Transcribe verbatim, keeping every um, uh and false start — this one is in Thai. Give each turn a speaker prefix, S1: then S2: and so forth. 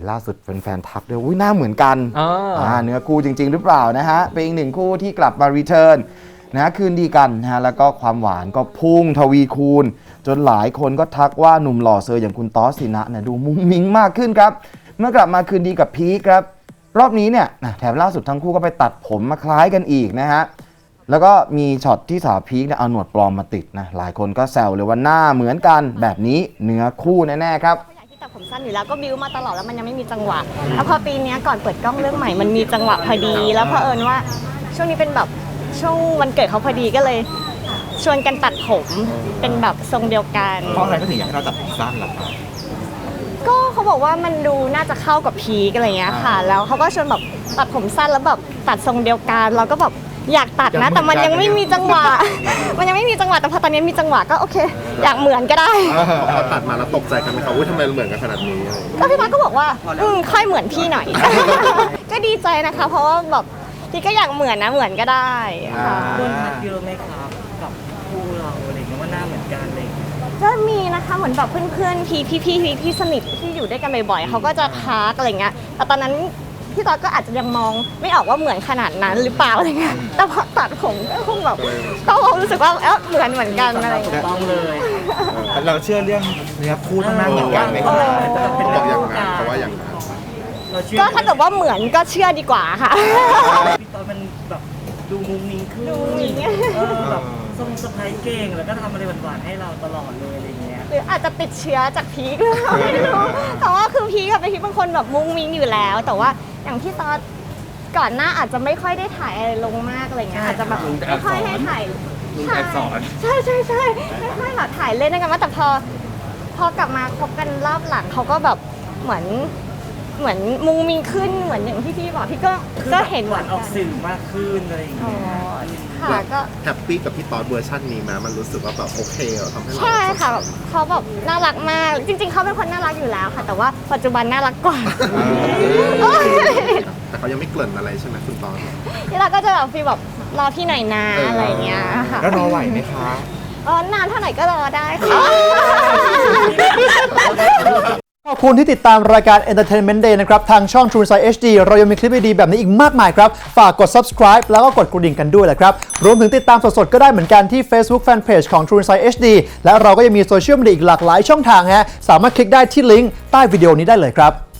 S1: ล่าสุดแฟนๆทักด้วยอุ้ยหน้าเหมือนกันอ่าเนื้อคู่จริงๆหรือเปล่านะฮะเป็นอีกหนึ่งคู่ที่กลับมารีเทิร์นนะคืนดีกันนะฮะแล้วก็ความหวานก็พุ่งทวีคูณจนหลายคนก็ทักว่าหนุ่มหล่อเซอร์อย่างคุณต๊อสสินะเนี่ยดูมุ้งมิ้งมากขึ้นครับเมื่อกลับมาคืนดีกับพีคครับรอบนี้เนี่ยแถมล่าสุดทั้งคู่ก็ไปตัดผมมาคล้ายกันอีกนะฮะแล้วก็มีช็อตที่สาวพีคเนี่ยเอาหนวดปลอมมาติดนะหลายคนก็แซวเลยว่าหน้าเหมือนกันแบบนี้เนื้อคู่แน่ๆครับ
S2: ที่ตัดผมสั้นอยู่แล้วก็บิ้วมาตลอดแล้วมันยังไม่มีจังหวะแล้วพอปีนี้ก่อนเปิดกล้องเรื่องใหม่มันมีจังหวะพอดีแล้วเผอิญว่าช่วงนี้เป็นแบบช่วงวันเกิดเขาพอดีก็เลยชวนกันตัดผมเป็นแบบทรงเดียวกัน
S3: เพราะอะไรก็ถึงอยากให้เราตัดผมสั้นล่ะครับ
S2: ก็เขาบอกว่ามันดูน่าจะเข้ากับพีคอะไรเงี้ยค่ะแล้วเขาก็ชวนแบบตัดผมสั้นแล้วแบบตัดทรงเดียวกันเราก็แบบอยากตัดนะแต่มันยังไม่มีจังหวะมันยังไม่มีจังหวะแต่พอตอนนี้มีจังหวะก็โอเคอยากเหมือนก็ได้
S3: พอตัดมาแล้วตกใจกันไหมครับว่าทำไมเหมือนกันขนาดนี้
S2: ก็พี่มาก็บอกว่าอืมค่อยเหมือนพี่หน่อยก็ดีใจนะคะเพราะว่าแบบพี่ก็อยากเหมือนนะเหมือนก็ได้ค่ะ
S4: คนทักเยอะไหมครับกับคู่เราอะไรเงี้ยว่าหน้าเหมือนกันเลย
S2: ก็มีนะคะเหมือนแบบเพื่อนๆพี่พี่พี่พี่สนิทที่อยู่ด้วยกันบ่อยๆเขาก็จะทักอะไรเงี้ยแต่ตอนนั้นพี่ต๊อดก็อาจจะยังมองไม่ออกว่าเหมือนขนาดนั้นหรือเปล่าอะไรเงี้ยแต่พอตัดผมก็คงแบบก็คงรู้สึกว่าเอ๊ะเหมือนเหมือนกันอะไรเงี้ย
S4: ต้องเลย
S3: เราเชื่อเรื่องเนื้อคู่ต้องหน้าเหมือนกันไหมครับบอกอย่างนั้นเพราะว่าอย่างนั้น
S2: ก็ถ้าเกิดว่าเหมือนก็เชื่อดีกว่าค่ะ
S4: พี่ต๊อดมันแบบดูมุ้งมิ้งขึ้น
S2: ดูมิ้ง
S4: แบบทรงสะพายเก่งแล้วก็ทำอะไรหวานๆให้เราตลอดเลยอะไรเงี้ย
S2: หรืออาจจะติดเชื้อจากพีคไม่รู้แต่ว่าคือพีคกับพีคเป็นคนแบบมุ้งมิ้งอยู่แล้วแต่ว่าอย่างที่ตอนก่อนหน้าอาจจะไม่ค่อยได้ถ่ายอะไรลงมากอะไรเงี้ยอาจจะแบบไม่ค่อยให้ถ่ายใช่ใช่ใช่ไม่ค่อยแบบถ่ายเล่นด้วยกันว่าแต่พอพอกลับมาคบกันรอบหลังเขาก็แบบเหมือนเหมือนมุ้งมิ้งขึ้นเหมือนอย่างที่พี่บอกพี่ก็ก็เห็น
S4: หวานออกสื่อมากขึ้นอะไรอย่างเงี้ย
S2: ค่ะก็
S3: แฮปปี้กับพี่ต๊อดเวอร์ชันนี้มามันรู้สึกว่าแบบโอเคเหรอทำให้เรา
S2: ใช่ค่ะเขาแบบน่ารักมากจริงๆเขาเป็นคนน่ารักอยู่แล้วค่ะแต่ว่าปัจจุบันน่ารักกว่า
S3: แต่เขายังไม่เกริ่นอะไรใช่ไหมคุณต๊อด
S2: ที่เราก็จะแบบฟีลแบบรอพี่หน่อยนะอะไรเงี้ยค่ะ
S3: แล้วรอไหวไหมคะ
S2: อ๋อนานเท่าไหร่ก็รอได้ค่ะ
S5: ขอบคุณที่ติดตามรายการ Entertainment Day นะครับทางช่อง True Insight เอช ดี เรายังมีคลิปดีๆแบบนี้อีกมากมายครับฝากกด subscribe แล้วก็กดกระดิ่งกันด้วยแหละครับรวมถึงติดตามสดๆก็ได้เหมือนกันที่ Facebook Fanpage ของ True Insight เอช ดี และเราก็ยังมีโซเชียลมีเดียอีกหลากหลายช่องทางฮะสามารถคลิกได้ที่ลิงก์ใต้วิดีโอนี้ได้เลยครับ